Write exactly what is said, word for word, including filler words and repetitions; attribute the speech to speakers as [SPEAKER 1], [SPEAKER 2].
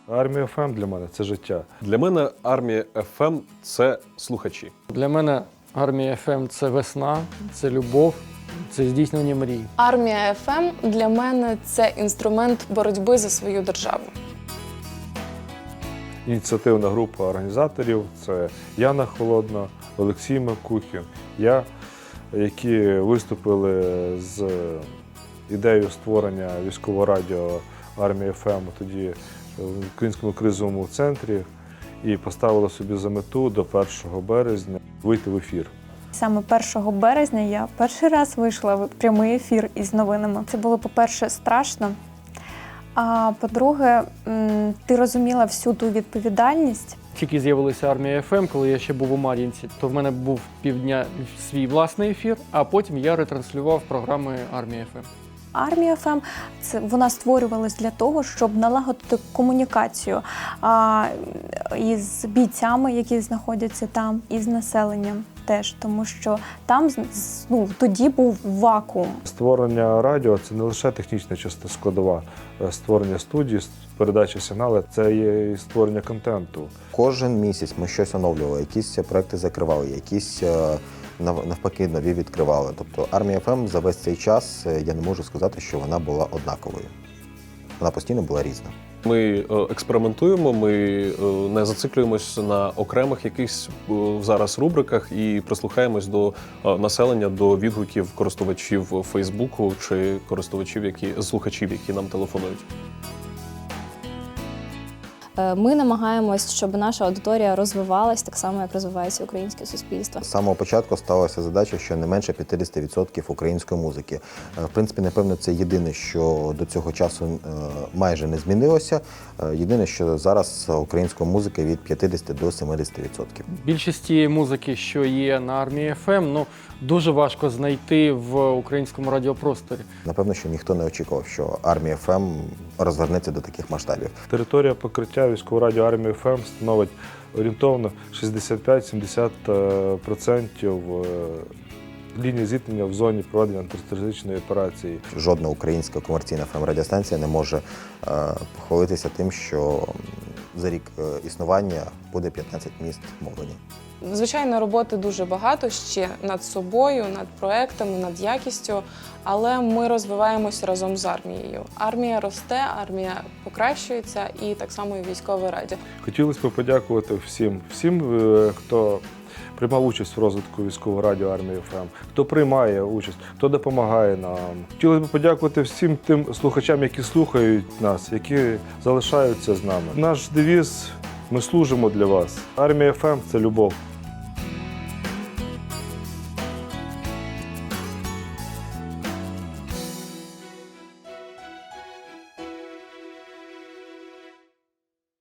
[SPEAKER 1] Армія еф ем для мене – це життя.
[SPEAKER 2] Для мене Армія еф ем – це слухачі.
[SPEAKER 3] Для мене Армія еф ем – це весна, це любов, це здійснення мрій.
[SPEAKER 4] Армія еф ем для мене – це інструмент боротьби за свою державу.
[SPEAKER 1] Ініціативна група організаторів – це Яна Холодна, Олексій Макухін, я, які виступили з ідеєю створення військового радіо Армія еф ем тоді в Українському кризовому центрі і поставили собі за мету до першого березня вийти в ефір.
[SPEAKER 5] Саме першого березня я перший раз вийшла в прямий ефір із новинами. Це було, по-перше, страшно, а по-друге, ти розуміла всю ту відповідальність.
[SPEAKER 3] Тільки з'явилася Армія еф ем, коли я ще був у Мар'їнці, то в мене був півдня свій власний ефір, а потім я ретранслював програми Армія еф ем.
[SPEAKER 5] Армія еф ем – це вона створювалась для того, щоб налагодити комунікацію а, із бійцями, які знаходяться там, і з населенням теж, тому що там ну, тоді був вакуум.
[SPEAKER 1] Створення радіо – це не лише технічна частина складова, створення студії, передача сигналу – це є і створення контенту.
[SPEAKER 6] Кожен місяць ми щось оновлювали, якісь проекти закривали, якісь навпаки нові відкривали. Тобто Армія еф ем за весь цей час, я не можу сказати, що вона була однаковою. Вона постійно була різна.
[SPEAKER 2] Ми експериментуємо, ми не зациклюємось на окремих якихось зараз рубриках і прислухаємось до населення, до відгуків користувачів Фейсбуку чи користувачів, які, слухачів, які нам телефонують.
[SPEAKER 7] Ми намагаємось, щоб наша аудиторія розвивалась так само, як розвивається українське суспільство.
[SPEAKER 6] З самого початку ставилася задача, що не менше п'ятдесят відсотків української музики. В принципі, напевно, це єдине, що до цього часу майже не змінилося. Єдине, що зараз української музики від п'ятдесят до сімдесят відсотків.
[SPEAKER 3] Більшість тієї музики, що є на Армії еф ем, ну, дуже важко знайти в українському радіопросторі.
[SPEAKER 6] Напевно, що ніхто не очікував, що Армія еф ем розвернеться до таких масштабів.
[SPEAKER 1] Територія покриття військового радіо Армія еф ем становить орієнтовно шістдесят п'ять - сімдесят відсотків лінії зіткнення в зоні проведення антитерористичної операції.
[SPEAKER 6] Жодна українська комерційна еф ем-радіостанція не може похвалитися тим, що за рік існування буде п'ятнадцять міст мовлені.
[SPEAKER 4] Звичайно, роботи дуже багато ще над собою, над проектами, над якістю, але ми розвиваємося разом з армією. Армія росте, армія покращується і так само і військове радіо.
[SPEAKER 1] Хотілося б подякувати всім, всім, хто приймав участь в розвитку військового радіо Армії еф ем, хто приймає участь, хто допомагає нам. Хотілося б подякувати всім тим слухачам, які слухають нас, які залишаються з нами. Наш девіз – ми служимо для вас. Армія еф ем – це любов.